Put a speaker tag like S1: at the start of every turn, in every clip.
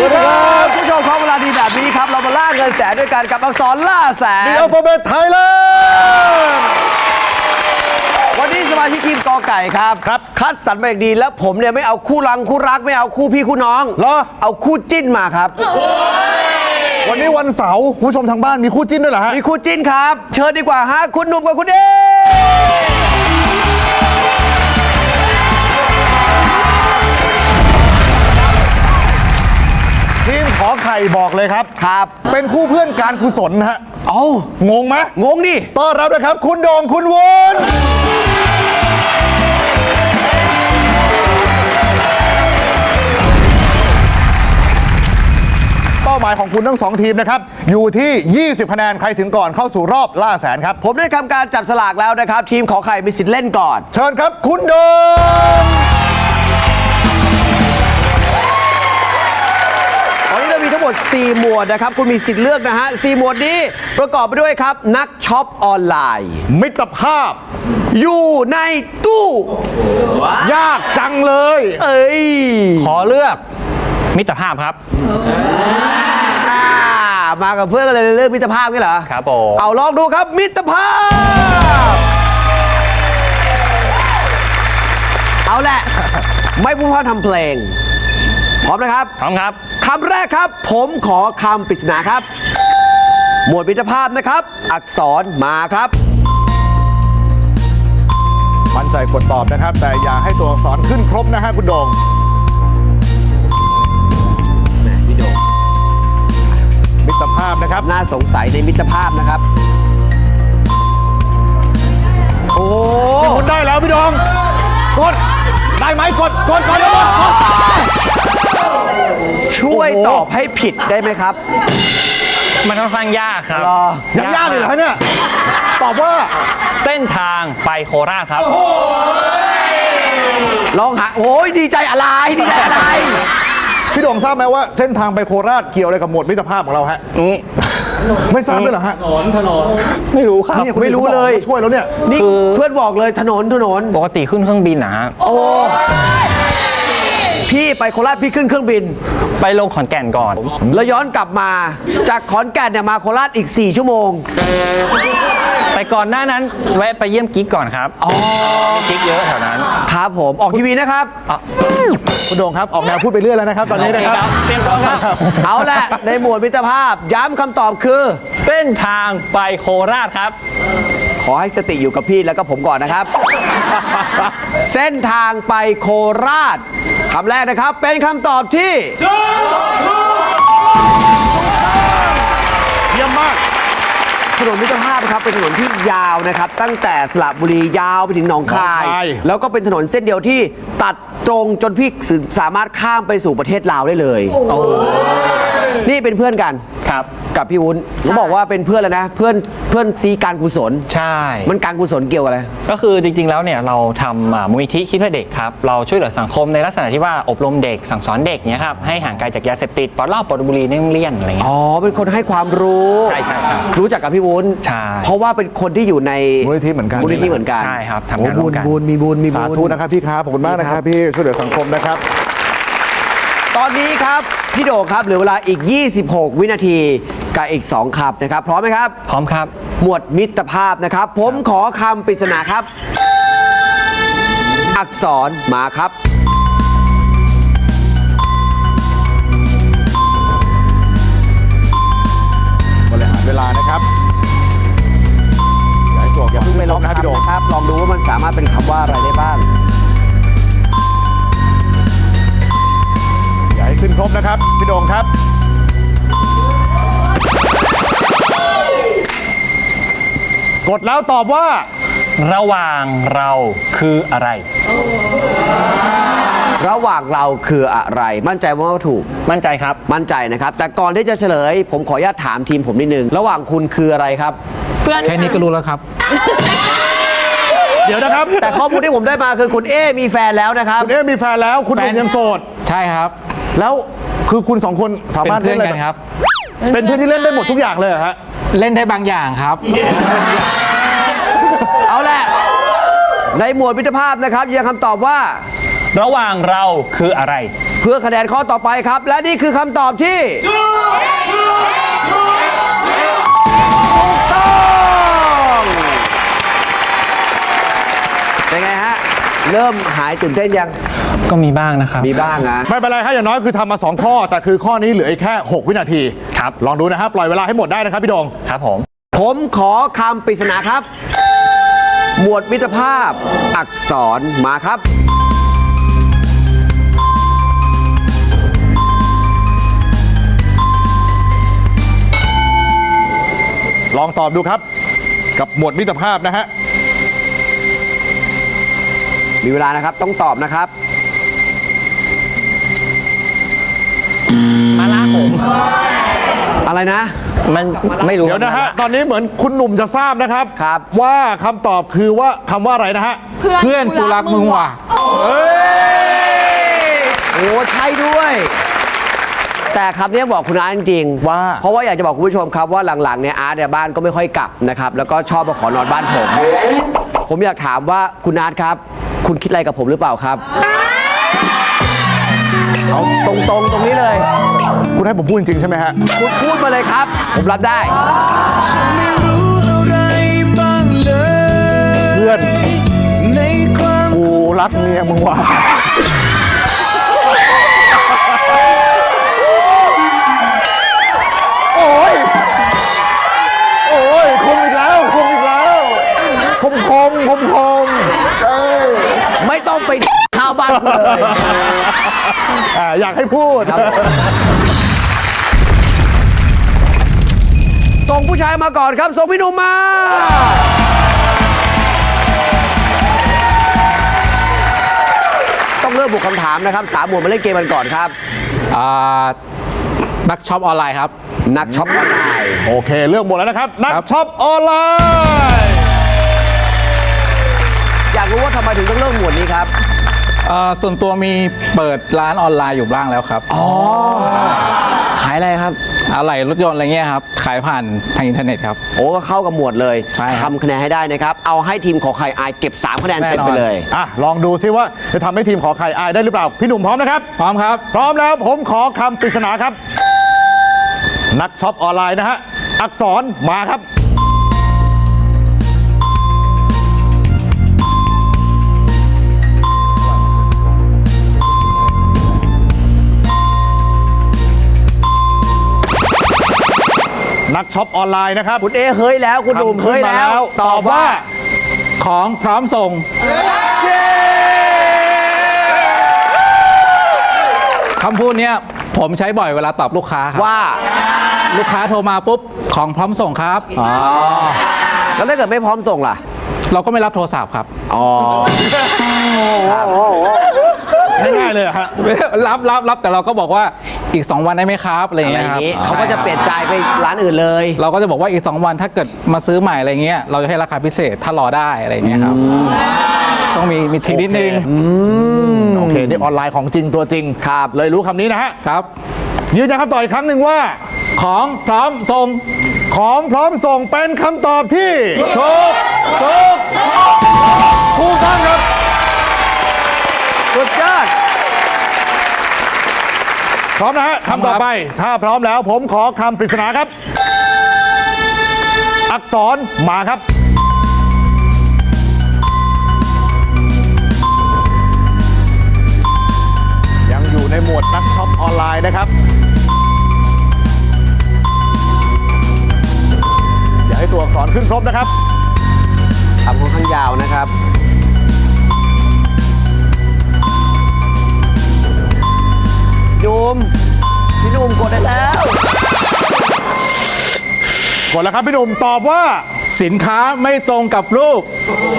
S1: ดีครับผู้ชมครับเวลาดีแบบนี้ครับเรามาล่าเงินแสนด้วยกันกับอักษรล่าแสน
S2: The Alphabet Thailand
S1: วันนี้สมาชิกทีมกอไก่ครับคัดสรรมาอย่างดีแล้วผมเนี่ยไม่เอาคู่รังคู่รักไม่เอาคู่พี่คู่น้อง
S2: เหรอ
S1: เอาคู่จิ้นมาครับ
S2: วันนี้วันเสาร์คุณผู้ชมทางบ้านมีคู่จิ้นด้วยเหรอฮะ
S1: มีคู่จิ้นครับ เชิญดีกว่าฮะคุณหนุ่มกับคุณเอ
S2: ทีมขอไข่บอกเลยครับ
S1: ครับ
S2: เป็นคู่เพื่อนการกุศลฮะ
S1: เอา
S2: งงไหม
S1: งงดิ
S2: ต้อนรับนะครับ คุณโด่งคุณวุ้นเป้าหมายของคุณทั้งสองทีมนะครับอยู่ที่ 20 คะแนนใครถึงก่อนเข้าสู่รอบล่าแสนครับ
S1: ผมได้ทำการจับสลากแล้วนะครับ ทีมขอไข่มีสิทธิ์เล่นก่อน
S2: เชิญครับคุณโด่ง
S1: ตอนนี้เรามีทั้งหมด 4 หมวดนะครับ คุณมีสิทธิ์เลือกนะฮะ 4 หมวดนี้ประกอบไปด้วยครับ นักช็อปออนไลน์
S2: มิตรภาพ
S1: อยู่ในตู้
S2: ยากจังเลย
S1: เอ้ย
S3: ขอเลือกมิตรภาพครับ
S1: มากับเพื่อนกันเลยเรื่องมิตรภาพนี่เหรอ
S3: ครับผม
S1: เอาลองดูครับมิตรภาพ เอาแหละ ไม่พูดพร่ำทำเพลง พร้อมนะครับ
S3: พร้อมครับ
S1: คำแรกครับ ผมขอคำปริศนาครับ หมวดมิตรภาพนะครับ อักษรมาครับ
S2: มั่นใจกดตอบนะครับ แต่อย่าให้ตัวอักษรขึ้นครบนะฮะคุณโด่ง
S1: พี่โดม
S2: มิตรภาพนะครับ
S1: น่าสงสัยในมิตรภาพนะครับ โอ้
S2: พี่คุณได้แล้วพี่โด่งกดได้ไหมกดแล้วกด
S1: ช่วยตอบให้ผิดได้ไหมครับ
S3: มันค่อนข้างยากครับ
S1: รอ
S2: ยังยากเลยเหรอเนี่ยตอบว่า
S3: เส้นทางไปโคราชครับ
S1: ลองหาโอ้ยดีใจอะไรดีใจอะไร
S2: พี่โด่งทราบไหมว่าเส้นทางไปโคราชเกี่ยวอะไรกับหมวดมิตรภาพของเราฮะไม่ทราบด้วยเหรอฮะ
S3: ไม่รู้ครับ
S2: เนี่ยคุณ
S1: ไม่รู้เลย
S2: ช่วยแล้วเนี่ย
S1: นี่เพื่อนบอกเลยถนน
S3: ปกติขึ้นเครื่องบินนะฮะ
S1: โอ้พี่ไปโคราชพี่ขึ้นเครื่องบิน
S3: ไปลงขอนแก่นก่อน
S1: แล้วย้อนกลับมาจากขอนแก่นเนี่ยมาโคราชอีก 4 ชั่วโมง
S3: แต่ก่อนหน้านั้นแวะไปเยี่ยมกิ๊กก่อนครับ
S1: อ๋อ
S3: กิ๊กเยอะแถวนั้น
S1: ครับผมออกทีวีนะครับ
S2: คุณโด่งครับออกแนวพูดไปเรื่อยแล้วนะครับตอนนี้นะครับ
S3: เตรียมตัวครับ
S1: เอาแหละในหมวดมิตรภาพ ย้ำคำตอบคือ
S3: เส้นทางไปโคราชครับ
S1: ขอให้สติอยู่กับพี่แล้วก็ผมก่อนนะครับ เส้นทางไปโคราชคำแรกนะครับ เป็นคำตอบที่
S2: เยี่ยมมาก
S1: ถนนมิตรภาพนะครับเป็นถนนที่ยาวนะครับ ตั้งแต่สระบุรียาวไปถึงหนองคาย
S2: หนองคาย
S1: แล้วก็เป็นถนนเส้นเดียวที่ตัดตรงจนพี่สามารถข้ามไปสู่ประเทศลาวได้เลยนี่เป็นเพื่อนกัน
S3: ครับ
S1: กับพี่วุ้นเขาบอกว่าเป็นเพื่อนแล้วนะเพื่อนซีการกุศล
S3: ใช่
S1: มันการกุศลเกี่ยวอะไร
S3: ก็คือจริงๆ แล้วเนี่ยเราทำมูลนิธิคิดเพื่อเด็กครับ เราช่วยเหลือสังคมในลักษณะที่ว่าอบรมเด็กสั่งสอนเด็กเนี่ยครับให้ห่างไกลจากยาเสพติดปลดเหล้าปลดบุหรี่ในโรงเรียนอะไรเงี้ย
S1: อ๋อเป็นคนให้ความรู้
S3: ใช่ใช่ใช่
S1: รู้จักกับพี่วุ้น
S3: ใช่
S1: เพราะว่าเป็นคนที่อยู่ใน
S2: มูลนิธิเหมือนกัน
S1: มูลนิธิเหมือนกัน
S3: ใช่ครับทำงานร่วมกัน
S1: โอ้มีบุญ
S2: สาธุนะครับพี่ครับขอบคุณมากนะครับพี่ช่วยเหลือสังคมนะครับ
S1: ตอนนี้ครับพี่โด่งครับเหลือเวลาอีก 26 วินาทีกับอีก 2คำนะครับพร้อมไหมครับ
S3: พร้อมครับ
S1: หมวดมิตรภาพนะครับ ผมขอคำปริศนาครับ อักษรมาครับ
S2: บริหารเวลานะครับอย่าให้ตัว
S1: อย่าเพิ่งไปลอง
S2: นะพี่
S1: คำ
S2: โด่ง
S1: นะครับ ลองดูว่ามันสามารถเป็นคำว่าอะไรได้บ้าง
S2: อย่าให้ขึ้นครบนะครับพี่โด่งครับกดแล้วตอบว่า
S3: ระหว่างเราคืออะไร
S1: ระหว่างเราคืออะไร มั่นใจว่าถูก
S3: มั่นใจครับ
S1: มั่นใจนะครับ แต่ก่อนที่จะเฉลย ผมขออนุญาตถามทีมผมนิดนึง ระหว่างคุณคืออะไรครับ
S3: แค่นี้ก็รู้แล้วครับ
S2: เดี๋ยวนะครับ
S1: แต่ข้อมูลที่ผมได้มาคือคุณเอมีแฟนแล้วนะครับ
S2: คุณเอ๊มีแฟนแล้วคุณโด่งยังโสด
S4: ใช่ครับ
S2: แล้วคือคุณสองคนสา
S4: เป็น
S2: มารถ
S4: เพื่อน
S2: ล่
S4: กันครับ
S2: เป็นเพื่อนที่เล่นได้หมดทุกอย่างเลยเหรอฮะ
S4: เล่นได้บางอย่างครับ
S1: เอาแหละ ในหมวดมิตรภาพนะครับยืนยันคำตอบว่า
S3: ระหว่างเราคืออะไร
S1: เพื่อคะแนนข้อต่อไปครับ และนี่คือคำตอบที่ถูกต้องเป็นไงฮะ เริ่มหายตื่นเต้นยัง
S3: ก็มีบ้างนะครับ
S1: มีบ้างนะ
S2: ไม่เป็นไรครับอย่างน้อยคือทำมา 2 ข้อ แต่คือข้อนี้เหลืออีกแค่ 6 วินาที
S3: ครับ
S2: ลองดูนะครับ ปล่อยเวลาให้หมดได้นะครับพี่โดง
S3: ครับผม
S1: ผมขอคำปริศนาครับ หมวดมิตรภาพ อักษรมาครับ
S2: ลองตอบดูครับ กับหมวดมิตรภาพนะฮะ
S1: มีเวลานะครับ ต้องตอบนะครับ
S3: มาละผม
S1: อะไรนะ
S3: มันไม่รู้
S2: เดี๋ยวนะฮะ ตอนนี้เหมือนคุณหนุ่มจะทราบนะครับ
S1: ครับ
S2: ว่าคำตอบคือว่าคำว่าอะไรนะฮะ
S4: เพื่อนกูรักมึงว่ะ
S1: โอ้ใช่ด้วย แต่คำนี้บอกคุณอาร์ตจริงๆ
S2: ว่า
S1: เพราะว่าอยากจะบอกคุณผู้ชมครับว่าหลังๆเนี่ยอาร์ตเนี่ยบ้านก็ไม่ค่อยกลับนะครับ แล้วก็ชอบมาขอนอนบ้านผม ผมอยากถามว่าคุณอาร์ตครับ คุณคิดอะไรกับผมหรือเปล่าครับเอาตรงๆตรงนี้เลย
S2: คุณให้ผมพูดจริงๆใช่ไหมฮะ
S1: คุณพูดมาเลยครับ ผมรับได้
S2: เพื่อนกูรักเมียมึงว่ะโอ้ย โอ้ยคมอีกแล้วคมอีกแล้วคมเอ้ย
S1: ไม่ต้องไปข้าวบ้านกูเลย
S2: อยากให้พูด
S1: ครับผม ส่งผู้ชายมาก่อนครับ ส่งพี่หนุ่มมา ต้องเริ่มบุกคำถามนะครับสามหมวดมาเล่นเกมกันก่อนครับ
S4: นักช็อปออนไลน์ครับ
S1: นักช็อปออนไลน์
S2: โอเคเรื่องหมดแล้วนะครับ นักช็อปออนไลน์
S1: อยากรู้ว่าทำไมถึงต้องเริ่มหมวดนี้ครับ
S4: ส่วนตัวมีเปิดร้านออนไลน์อยู่บ้างแล้วครับ
S1: ขายอะไรครับ
S4: อะไรรถยนต์อะไรเงี้ยครับ ขายผ่านทางอินเทอร์เน็ตครับ
S1: โอ้ก็เข้ากับหมวดเลย
S4: ใช่ครับ
S1: ทำคะแนนให้ได้นะครับ เอาให้ทีมขอไข่อายเก็บ 3 คะแนนเต็มไปเลย
S2: ลองดูซิว่าจะทำให้ทีมขอไข่อายได้หรือเปล่า พี่หนุ่มพร้อมนะครับ
S4: พร้อมครับ
S2: พร้อมแล้วผมขอคำปริศนาครับ นักช็อปออนไลน์นะฮะ อักษรมาครับ นักช็อปออนไลน์นะครับ
S1: คุณเอเฮ้ยแล้ว คุณหนุ่มเฮ้ยแล้ว
S2: ตอบว่า
S4: ของพร้อมส่ง คำพูดเนี้ยผมใช้บ่อยเวลาตอบลูกค้าครับ
S1: ว่า
S4: ลูกค้าโทรมาปุ๊บ ของพร้อมส่งครับ
S1: แล้วถ้าเกิดไม่พร้อมส่งล่ะ
S4: เราก็ไม่รับโทรศัพท์ครับ
S1: อ๋อครับ
S2: ง่ายๆเลยเหรอฮะ
S4: รับแต่เราก็บอกว่าอีก 2 วันได้ไหมครับอะไร
S1: อะไร
S4: เงี้
S1: อย ย่า
S4: ครับ
S1: งนี้เขาก็จะเปลี่ยนใจไปร้านอื่นเลย
S4: เราก็จะบอกว่าอีก 2 วันถ้าเกิดมาซื้อใหม่อะไรเงี้ยเราจะให้ราคาพิเศษถ้ารอได้อะไรเงี้ยครับต้องมีทริคนิดนึง
S2: โอเค นี่ออนไลน์ของจริงตัวจริง
S1: ครับ
S2: เลยรู้คำนี้นะฮะ
S4: ครับ
S2: ยืนยันคำตอบอีกครั้งหนึ่งว่า
S4: ของพร้อมส่ง
S2: ของพร้อมส่งเป็นคำตอบที่ถูกต้องครับ
S1: สุดยอด
S2: พร้อมนะฮะคำต่อไป ถ้าพร้อมแล้วผมขอคำปริศนาครับ อักษรมาครับ ยังอยู่ในหมวดนักช็อปออนไลน์นะครับ อย่าให้ตัวอักษรขึ้นครบนะครับ
S1: ทำค่อนข้างยาวนะครับ พี่หนุ่มกดได้แล้ว
S2: กดแล้วครับพี่หนุ่มตอบว่า
S4: สินค้าไม่ตรงกับรูป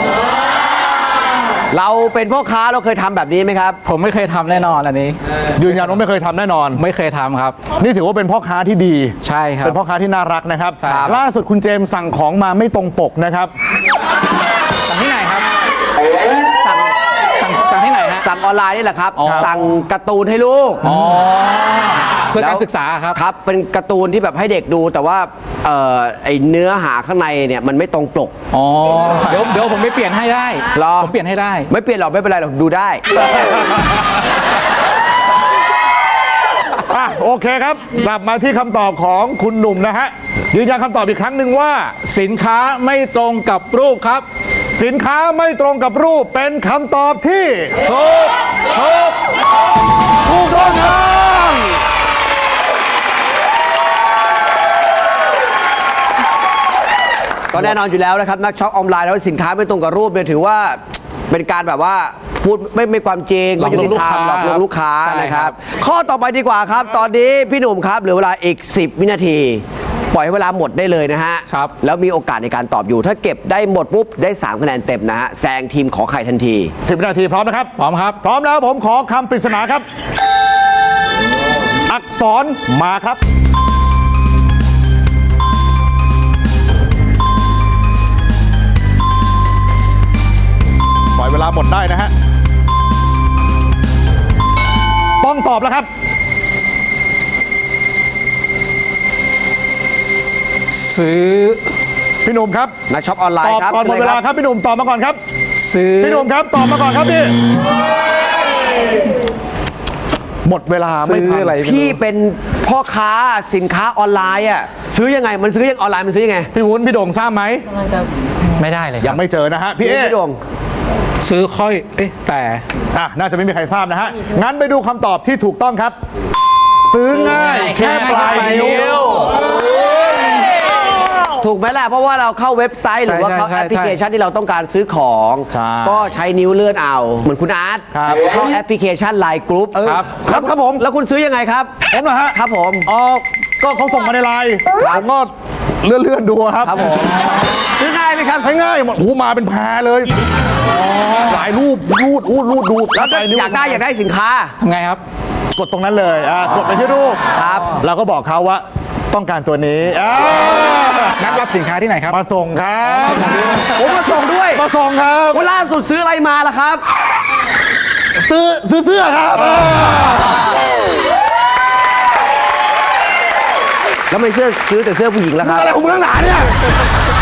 S1: เราเป็นพ่อค้าเราเคยทำแบบนี้ไหมครับ
S4: ผมไม่เคยทำแน่นอนอันนี้
S2: ยืนยันว่าไม่เคยทำแน่นอน
S4: ไม่เคยทำครับ
S2: นี่ถือว่าเป็นพ่อค้าที่ดี
S4: ใช่ครับ
S2: เป็นพ่อค้าที่น่ารักนะครับ
S4: ครับ
S2: ล่าสุดคุณเจมส์สั่งของมาไม่ตรงปกนะครับ
S4: สั่งที่ไหนครับ
S1: สั่ง
S4: สั่งที่ไหนฮะ
S1: สั่งออนไลน์นี่แหละครับ
S4: อ๋อ
S1: สั่งการ์ตูนให้ลูก
S4: อ๋อเพื่อการ
S1: แล้ว
S4: ศึกษาครับ
S1: ครับ เป็นการ์ตูนที่แบบให้เด็กดูแต่ว่าไอเนื้อหาข้างในเนี่ยมันไม่ตรงปก
S4: อ๋อเดี๋ยวผมไปเปลี่ยนให้ได้
S1: เหรอ
S4: ผมเปลี่ยนให้ได้
S1: ไม่เปลี่ยนหรอกไม่เป็นไรหรอกดูได้
S2: โอเคครับกลับมาที่คำตอบของคุณหนุ่มนะฮะยืนยันคำตอบอีกครั้งหนึ่งว่า
S4: สินค้าไม่ตรงกับรูปครับ
S2: สินค้าไม่ตรงกับรูปเป็นคำตอบที่ถูกต้องครับ
S1: ก็แน่นอนอยู่แล้วนะครับนักช็อปออนไลน์แล้วสินค้าไม่ตรงกับรูปเนี่ยถือว่าเป็นการแบบว่าพูดไม่ความจริง
S4: หลอกลวง
S1: ไม่ยุติธรรม
S4: ลูกค้า
S1: หลอกลวงลูกค้า
S4: ใช่
S1: นะค
S4: ครั
S1: รับ
S4: บ
S1: ข้อต่อไปดีกว่าครับ ตอนนี้พี่หนุ่มครับเหลือเวลาอีก 10 วินาที ปล่อยให้เวลาหมดได้เลยนะฮะ
S4: ครับ
S1: แล้วมีโอกาสในการตอบอยู่ ถ้าเก็บได้หมดปุ๊บได้3คะแนนเต็มนะฮะแซงทีมขอไข่ทันที
S2: 10 วินาทีพร้อมนะครับ
S4: พร้อมครับ
S2: พร้อมแล้วผมขอคำปริศนาครับ อักษรมาครับ ปล่อยเวลาหมดได้นะฮะ ต้องตอบแล้วครับ
S4: ซื้อ
S2: พี่หนุ่มครับ
S1: นักช็อปออนไล
S2: ต
S1: น์
S2: อบ
S1: ครับ
S2: ก่อนหมดเวลาครับพี่หนุ่มตอบมาก่อนครับ
S4: ซื้อ
S2: พี่หนุ่มครับตอบมาก่อนครับพี่ หมดเวลาไม่
S4: ซื้อ
S2: ทัน
S4: อะไรไม่รู้
S1: พี่เป็นพ่อค้าสินค้าออนไลน์อ่ะซื้อยังไงมันซื้อยังออนไลน์มันซื้อยังไง
S2: พี่วุ้นพี่โด่งทราบไหม
S3: ไม่ได้เลยค
S2: ยั
S3: รับ
S2: งไม่เจอนะฮะพี่เอ๊
S1: พี่ดวง
S4: ซื้อค่อยแต่
S2: น่าจะไม่มีใครทราบนะฮะ งั้นไปดูคำตอบที่ถูกต้องครับ ซื้อง่ายแค่ปลายนิ้ว
S1: ถูกไหมล่ะเพราะว่าเราเข้าเว็บไซต์หรือว่าเข้า
S4: ใช่
S1: แอปพลิเคชันที่เราต้องการซื้อของ
S2: ใช่
S1: ก็ใช้นิ้วเลื่อนเอา เหมือนคุณอาร์ต
S2: ครับ
S1: เข้าแอปพลิเคชัน Line Group
S2: ครับครับผม
S1: แล้วคุณซื้อยังไงครับ
S2: ผมนะฮะ
S1: ครับผม
S2: ก็เขาส่งมาในไลน์ผมก็เลื่อนดูครับ
S1: ครับผมซื้อง่ายไหมครับ
S2: ใช้ง่ายหมดหูมาเป็นแพรเลยหลายรูปรูดดู
S1: แล้วก็
S2: ปลนิ้ว
S1: อยากได้สินค้า
S4: ทำไงครับ
S2: กดตรงนั้นเลยกดไปที่รูป
S1: ครับ
S2: เราก็บอกเขาว่าต้องการตัวนี้
S4: นัดรับสินค้าที่ไหนครับ
S2: มาส่งครับ
S1: ผมมาส่งด้วย
S2: มาส่งครับ
S1: วันล่าสุดซื้ออะไรมาล่ะครับ
S2: ซื้อเสื้อครับ
S1: แล้วไม่ซื้อแต่เสื้อผู้หญิงแล้วครับ
S2: อะไรของมึงหนาเนี่ย